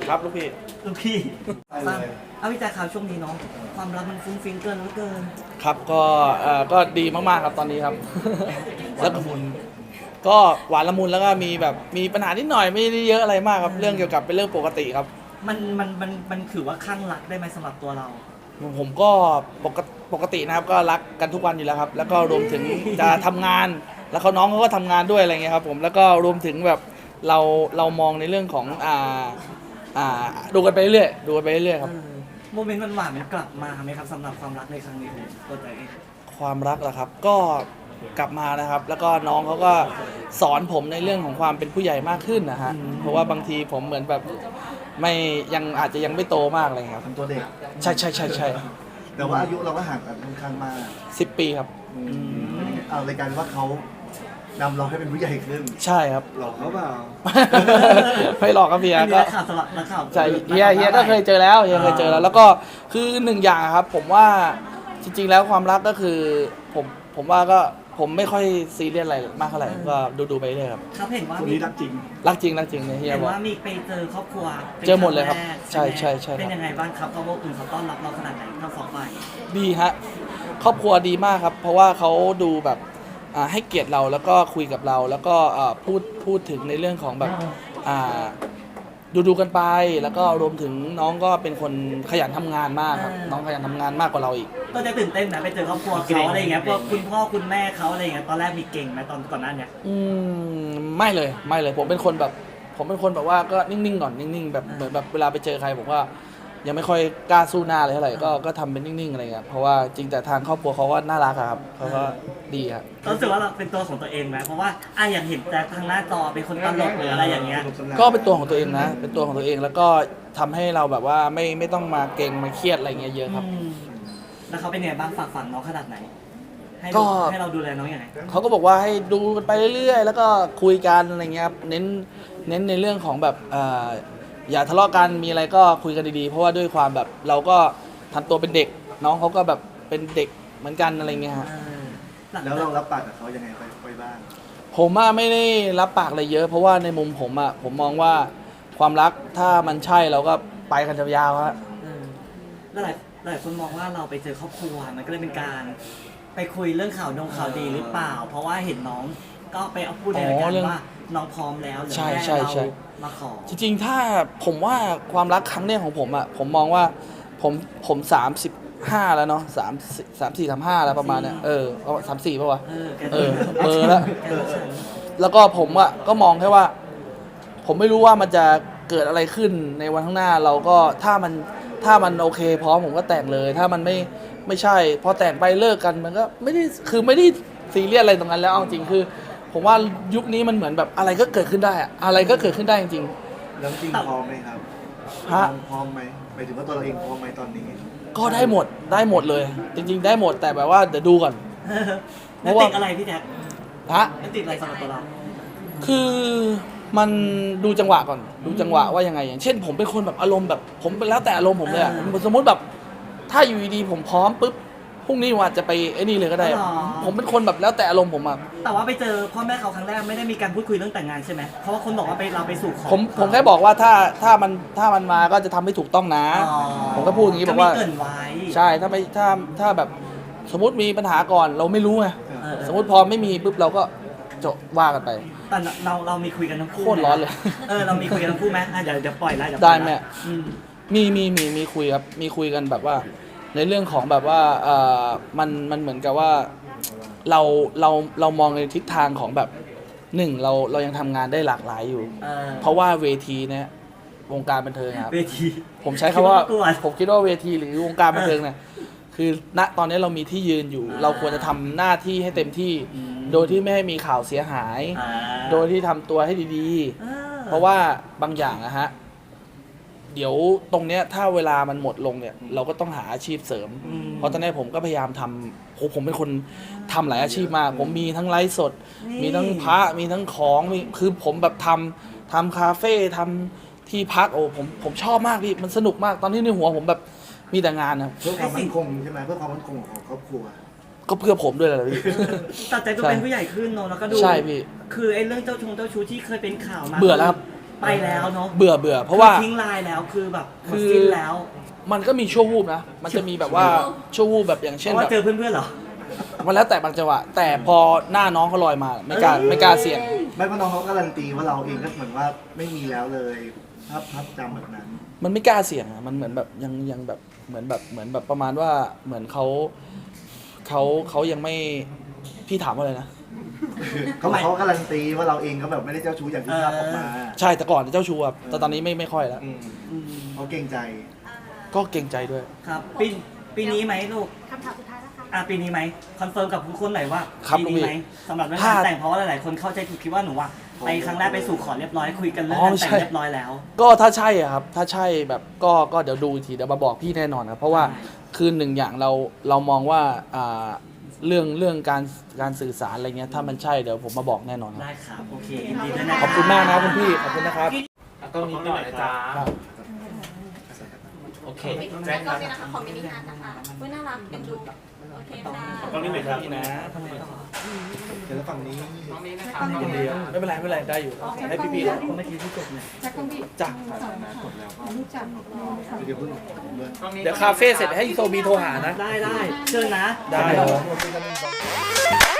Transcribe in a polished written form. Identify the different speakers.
Speaker 1: ครับลูกพี่
Speaker 2: ลูกพี่
Speaker 3: ไปเลย
Speaker 2: เอาพี่แจ๊คข่าวช่วงนี้เนาะความรักมันฟุ้งฟิ้งเกินเหลือเกิน
Speaker 1: ครับก็ดีมากๆครับตอนนี้ครับ
Speaker 3: แล้วก็มุน
Speaker 1: ก็หวานละมุนแล้วก็มีแบบมีปัญหานิดหน่อยไม่ได้เยอะอะไรมากครับเรื่องเกี่ยวกับเป็นเรื่องปกติครับ
Speaker 2: มันถือว่าข้างรักได้ไหมสำหรับตัวเรา
Speaker 1: ผมก็ปกตินะครับก็รักกันทุกวันอยู่แล้วครับ แล้วก็รวมถึงจะทำงาน แล้วน้องเขาก็ทำงานด้วยอะไรเงี้ยครับผมแล้วก็รวมถึงแบบเรามองในเรื่องของดูกันไปเรื่อยดูกันไปเรื่อยครับ
Speaker 2: โมเมนต์หวานๆมันกลับมาไหมครับสำหรับความรักในครั้งนี้ของตัวแจ๊คเอง
Speaker 1: ความรักเหรอครับก็กลับมานะครับ แล้วก็น้องเขาก็สอนผมในเรื่องของความเป็นผู้ใหญ่มากขึ้นนะฮะเพราะว่าบางทีผมเหมือนแบบไม่ยังอาจจะยังไม่โตมากอะไรเงี้ยครับ
Speaker 3: เป็นตัวเด็ก
Speaker 1: ใช่
Speaker 3: แต่ว่าอายุเราก็ห่างกันค่อนข้างมาก
Speaker 1: 10 ปีครับ
Speaker 3: เอารายการว่าเขานำเราให้เป็นผู้ใหญ่ขึ้น
Speaker 1: ใช่ครับ
Speaker 3: หลอกเขาเปล่า
Speaker 1: ไม่หลอกครับเฮีย
Speaker 2: อันนี้
Speaker 1: ก็
Speaker 2: นักข่าวสลับนักข่าว
Speaker 1: ใช่เฮียก็เคยเจอแล้วเฮียเคยเจอแล้วแล้วก็คือหนึ่งอย่างครับ ผมว่าจริงๆแล้วความรักก็คือผมว่าก็ผมไม่ค่อยซีเรียสอะไรมากเท่าไหร่ก็ดูไปเรื่อยครับ
Speaker 2: ครับเห็นว่า
Speaker 3: คน
Speaker 2: มี
Speaker 3: นี้รักจริง
Speaker 1: รักจริงเนี่ยเฮีย
Speaker 2: เห็น
Speaker 1: บอก
Speaker 2: ว่ามีไปเจอครอบครัวป็น
Speaker 1: เจอหมดเลยครับ
Speaker 2: งแก
Speaker 1: ใช่
Speaker 2: ไหม
Speaker 1: ใช่ครับ
Speaker 2: เป็นยังไงบ้างครับเขาบอกคุณเขาต้อนรับเราขนาดไหนทั้งสองฝ่าย
Speaker 1: ดีฮะครอบครัวดีมากครับ เพราะว่าเขาดูแบบให้เกียรติเราแล้วก็คุยกับเรา แล้วก็พูดถึงในเรื่องของแบบดูกันไป แล้วก็รวมถึงน้องก็เป็นคนขยันทำงานมากครับน้องขยันทำงานมากกว่าเราอีก
Speaker 2: ตัวแจ๊คตื่นเต้นนะไปเจอครอบครัวเขาอะไรอย่างเงี้ยพวกคุณพ่อคุณแม่เขาอะไรอย่างเงี้ยตอนแรกมีเก่งไหมตอนก่อนหน้าเนี้ย
Speaker 1: ไม่เลยผมเป็นคนแบบว่าก็นิ่งๆก่อนนิ่งๆแบบเหมือนแบบเวลาไปเจอใครผมก็ยังไม่ค่อยกล้าสู้หน้าเลยเท่าไหร่ก็ทำเป็นนิ่งๆอะไรเงี้ยเพราะว่าจริงแต่ทางครอบครัวเขาก็น่ารักอะครับเขาก็ดีครับ
Speaker 2: รู้สึกว่าเราเป็นตัวของตัวเองไหมเพราะว่าอย่างเห็นแต่ทางหน้าจอเป็นคนตลกหรืออะไรอย่างเงี้ย
Speaker 1: ก็เป็นตัวของตัวเองนะเป็นตัวของตัวเองแล้วก็ทำให้เราแบบว่าไม่ต้องมาเกรงมาเครียดอะไรเงี้ยเยอะครับ
Speaker 2: แล้วเขาเป็นไงบ้างฝากฝังน้องขนาดไหน
Speaker 1: ก็
Speaker 2: ให้เราดูแลน้องยังไง
Speaker 1: เขาก็บอกว่าให้ดูกันไปเรื่อยๆ แล้วก็คุยกันอะไรเงี้ยครับเน้นในเรื่องของแบบอย่าทะเลาะกันมีอะไรก็คุยกันดีๆเพราะว่าด้วยความแบบเราก็ทำตัวเป็นเด็กน้องเขาก็แบบเป็นเด็กเหมือนกันอะไรเงี้ยฮะ
Speaker 3: แล้วเรารับปากกับเขายังไงไปบ้าง
Speaker 1: ผมไม่ได้รับปากอะไรเยอะ เพราะว่าในมุมผมมองว่าความรักถ้ามันใช่เราก็ไปกันยาวๆฮะ
Speaker 2: แล้วหลายคนมองว่าเราไปเจอครอบครัวมันก็เลยเป็นการไปคุยเรื่องข่าวดีหรือเปล่า เพราะว่าเห็นน้องก็ไปเอาพูดในรายการว่าน้องพร้อมแล้วหรือแม่เรามาขอ
Speaker 1: จริงๆถ้าผมว่าความรักครั้งแรกของผมผมมองว่าผม35แล้วเนาะ34 35แล้วประมาณเนี้ย34ป่ะวะเบอร์แล้วแล้วก็ผมก็มองแค่ว่า ผมไม่รู้ว่ามันจะเกิดอะไรขึ้นในวันข้างหน้าเราก็ถ้ามันโอเคพร้อมผมก็แต่งเลย ถ้ามันไม่ใช่พอแต่งไปเลิกกันมันก็ไม่ได้ซีเรียสอะไรตรงนั้นแล้วเอาจริงคือ ผมว่ายุคนี้มันเหมือนแบบอะไรก็เกิดขึ้นได้อะอะไรก็เกิดขึ้นได้จริง
Speaker 3: แล้วจริงพร้อมไหมครับ
Speaker 1: ฮะ
Speaker 3: พร้อมไหมหมายถึงว่าตัวเราเองพร้อมไหมตอนนี้
Speaker 1: ๆก็ได้หมดเลย จริง ๆ ได้หมดแต่แบบว่าเดี๋ยวดูก่อน
Speaker 2: แล้วติดอะไรพี่แจ๊ค
Speaker 1: ฮะ
Speaker 2: แล้วติดอะไรสำหรับตัวเรา
Speaker 1: คือมันดูจังหวะก่อนดูจังหวะว่ายังไงอย่างเช่น ผมเป็นคนแบบอารมณ์แบบผมเป็นแล้วแต่อารมณ์ผมเลยอะสมมติแบบถ้าอยู่ดีๆผมพร้อมปุ๊บพรุ่งนี้ว่าจะไปไอ้นี่เลยก็ได้ ผมเป็นคนแบบแล้วแต่อารมณ์ผมอะ
Speaker 2: แต่ว่าไปเจอพ่อแม่เขาครั้งแรกไม่ได้มีการพูดคุยเรื่องแต่งงานใช่ไหมเพราะว่าคนบอกว่าเราไปสู่ขอ
Speaker 1: ผมแค่บอกว่าถ้ามันมาก็จะทำให้ถูกต้องนะ ผมก็พูดอย่างนี้บอกว่า
Speaker 2: เกรินไว้
Speaker 1: ใช่ถ้าแบบสมมติมีปัญหาก่อนเราไม่รู้ไงสมมติพอไม่มีปุ๊บเราก็จบว่ากันไป
Speaker 2: แต่เรามีคุยกันทั้งคู่
Speaker 1: โคตรร้อนเลย
Speaker 2: เรามีคุยกันทั้งคู่ไหมเดี๋ยวปล่อยไล่
Speaker 1: ได้แม่ มีคุยครับมีคุยกันแบบว่า ในเรื่องของแบบว่ามันเหมือนกับว่าเรามองในทิศทางของแบบหนึ่งเรายังทำงานได้หลากหลายอยู่ เพราะว่าเวทีเนี่ยวงการบันเทิงครับ
Speaker 2: เวที
Speaker 1: ผมใช้คำว่า
Speaker 2: คิดว่าประกวด
Speaker 1: ผมคิดว่าเวทีหรือวงการบันเทิงเนี่ยคือณตอนนี้เรามีที่ยืนอยู่ เราควรจะทำหน้าที่ให้เต็มที่ โดยที่ไม่ให้มีข่าวเสียหาย โดยที่ทำตัวให้ดีๆ เพราะว่าบางอย่างนะฮะเดี๋ยวตรงเนี้ยถ้าเวลามันหมดลงเนี่ยเราก็ต้องหาอาชีพเสริม เพราะตอนนี้ผมก็พยายามทำผมเป็นคนทำหลายอาชีพมากผมมีทั้งไลฟ์สด มีทั้งพระมีทั้งของคือผมแบบทำคาเฟ่ทำที่พักผมชอบมากพี่มันสนุกมากตอนที่ในหัวผมแบบมีแต่งานนะครับ
Speaker 3: เพื่อความมั่นคงใช่ไหมเพื่อความมั่นคงของครอบครัว
Speaker 1: ก็เพื่อผมด้วยแหละพี่
Speaker 2: ตัดใจตัวเป็นผู้ใหญ่ขึ้นเนอะแล้วก็ดู
Speaker 1: ใช่พี่
Speaker 2: คือไอ้เรื่องเจ้าชู้ที่เคยเป็นข่าวมา
Speaker 1: เบื่อแล้วครับ
Speaker 2: ไปแล้วเนาะ
Speaker 1: เบื่อเพราะว่า
Speaker 2: ทิ้งลายแล้วคือแบบหม
Speaker 1: คื
Speaker 2: ด
Speaker 1: อ
Speaker 2: สิ้นแล้ว
Speaker 1: มันก็มีชั่ววูบนะ มันจะมีแบบว่าชั่ววูบแบบอย่าง
Speaker 2: เพ
Speaker 1: เช่น
Speaker 2: ราะว่า
Speaker 1: แบบ
Speaker 2: เจอเพื่อนๆเหรอ
Speaker 1: มันแล้วแต่บางจังหวะแต่พอหน้าน้องเขาลอยมาไม่กล้าเสี่ยง
Speaker 3: ไม่เพราะน้องเขาการันตีว่าเราเองก็เหมือนว่าไม่มีแล้วเลยภาพจำแบบนั้น
Speaker 1: มันไม่กล้าเสี่ยงอะมันเหมือนแบบยังแบบเหมือนแบบประมาณว่าเหมือนเขายังไม่พี่ถามว่าอะไรนะ
Speaker 3: เขาการันตีว่าเราเองก็แบบไม่ได้เจ้าชู้อย่างที่ภาพออกมา
Speaker 1: ใช่แต่ก่อนเจ้าชู้ครับแต่ตอนนี้ไม่ค่อยแล้ว
Speaker 3: เขาเกรงใจ
Speaker 1: ก็เกรงใจด้วย
Speaker 2: ครับปีนี้ไหมลูก
Speaker 4: คำถามสุดท้ายแล้วค่ะ
Speaker 2: ปีนี้ไหมคอนเฟิร์มกับทุกคนหน่อยว่า
Speaker 1: ครับ
Speaker 2: ปีนี้ไหมสำหรับเรื่องงานแต่งเพราะว่าหลายๆคนเข้าใจผิดคิดว่าหนูว่าไปครั้งแรกไปสู่ขอเรียบร้อยคุยกันเรื่องงานแต่งเรียบร้อยแล้ว
Speaker 1: ก็ถ้าใช่อะครับถ้าใช่แบบก็เดี๋ยวดูอีกทีเดี๋ยวมาบอกพี่แน่นอนครับเพราะว่าคือหนึ่งอย่างเรามองว่าเรื่องการสื่อสารอะไรเงี้ยถ้ามันใช่เดี๋ยวผมมาบอกแน่นอนครับ
Speaker 2: ได้ครับโอเคยินดีด้วยนะ
Speaker 1: ขอบคุณมากนะคุณพี่ขอบคุณนะครับต้องนี้หน่อยนะจ๊ะ
Speaker 5: โอเค
Speaker 4: แจ้งก่อนเลยนะคะของมินิฮาร์ดนะคะเว้ยน่ารักเอ็นดูโอเคค่ะ
Speaker 5: ตรงนี้หน่อยครับ
Speaker 1: พี่นะ
Speaker 3: เดี๋ยวฝั่งนี้
Speaker 1: ไม่เป็นไรได้อยู่ให้พี่ๆ
Speaker 2: เมื่อกี้ที่จบเนี่ย
Speaker 4: แจ็คต้องพี่
Speaker 1: จ้ะ
Speaker 4: รู้จัก
Speaker 3: เดี๋ยวเพิ่งด้วย
Speaker 1: เดี๋ยวคาเฟ่เสร็จให้โซบีโทรหานะ
Speaker 2: ได้เชิญนะ
Speaker 1: ได้